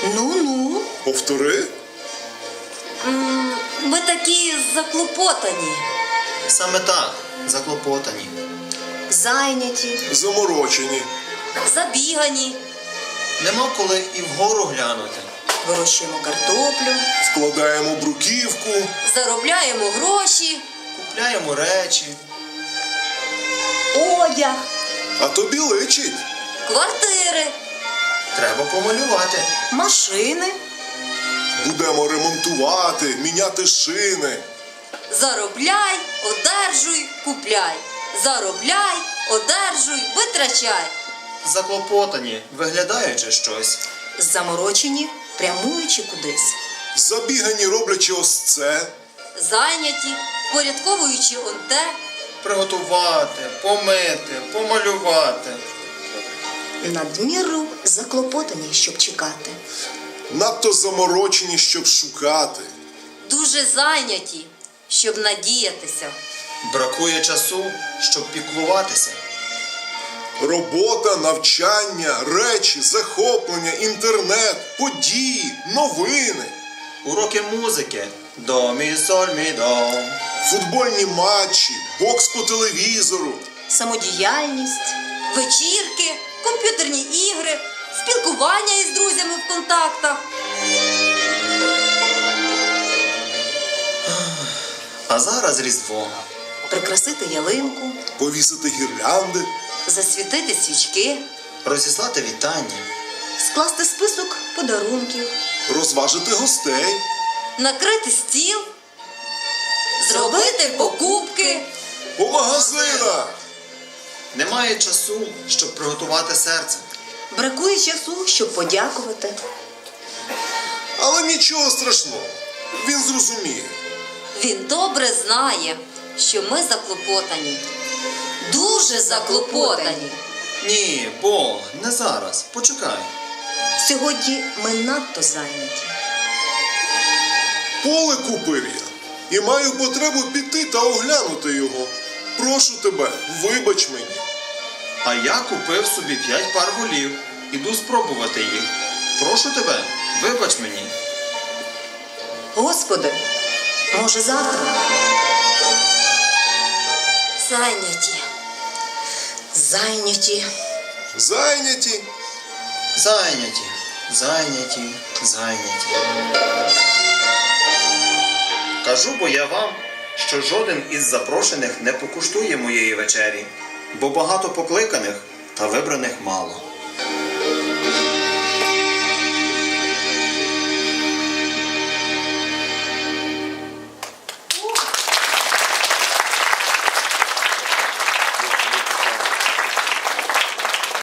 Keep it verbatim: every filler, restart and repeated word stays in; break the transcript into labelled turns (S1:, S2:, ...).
S1: Ну-ну.
S2: Повтори.
S1: М, Ми такі заклопотані,
S3: Саме так, заклопотані.
S1: зайняті,
S2: Заморочені.
S1: забігані.
S3: Нема коли і вгору глянути.
S1: Вирощуємо картоплю,
S2: Складаємо бруківку.
S1: заробляємо гроші,
S3: Купляємо речі.
S1: одяг,
S2: А тобі личить.
S1: квартири,
S3: Треба помалювати.
S1: машини.
S2: Будемо ремонтувати, міняти шини.
S1: Заробляй, одержуй, купляй. Заробляй, одержуй, витрачай.
S3: Заклопотані, виглядаючи щось.
S1: Заморочені, прямуючи кудись.
S2: Забігані, роблячи ось це.
S1: Зайняті, впорядковуючи он те.
S3: Приготувати, помити, помалювати.
S1: Надміру заклопотані, щоб чекати.
S2: Надто заморочені, щоб шукати.
S1: Дуже зайняті, щоб надіятися.
S3: Бракує часу, щоб піклуватися.
S2: Робота, навчання, речі, захоплення, інтернет, події, новини.
S3: Уроки музики. До, мі, соль, мі, до.
S2: Футбольні матчі, бокс по телевізору.
S1: Самодіяльність, вечірки, комп'ютерні ігри, спілкування із друзями в контактах.
S3: А зараз Різдво.
S1: Прикрасити ялинку,
S2: Повісити гірлянди.
S1: засвітити свічки,
S3: Розіслати вітання.
S1: скласти список подарунків,
S2: Розважити гостей.
S1: накрити стіл, зробити покупки.
S2: По магазинах.
S3: Немає часу, щоб приготувати серце.
S1: Бракує часу, щоб подякувати.
S2: Але нічого страшного. Він зрозуміє.
S1: Він добре знає, що ми заклопотані. Дуже заклопотані.
S3: Ні, Бог, не зараз. Почекай.
S1: Сьогодні ми надто зайняті.
S2: Поле купив я. І маю потребу піти та оглянути його. Прошу тебе, вибач мені.
S3: А я купив собі п'ять пар голів. Іду спробувати їх. Прошу тебе, вибач мені.
S1: Господи, може завтра? Зайняті. Зайняті.
S2: Зайняті.
S3: Зайняті, зайняті, зайняті. Кажу бо я вам, що жоден із запрошених не покуштує моєї вечері, бо багато покликаних та вибраних мало.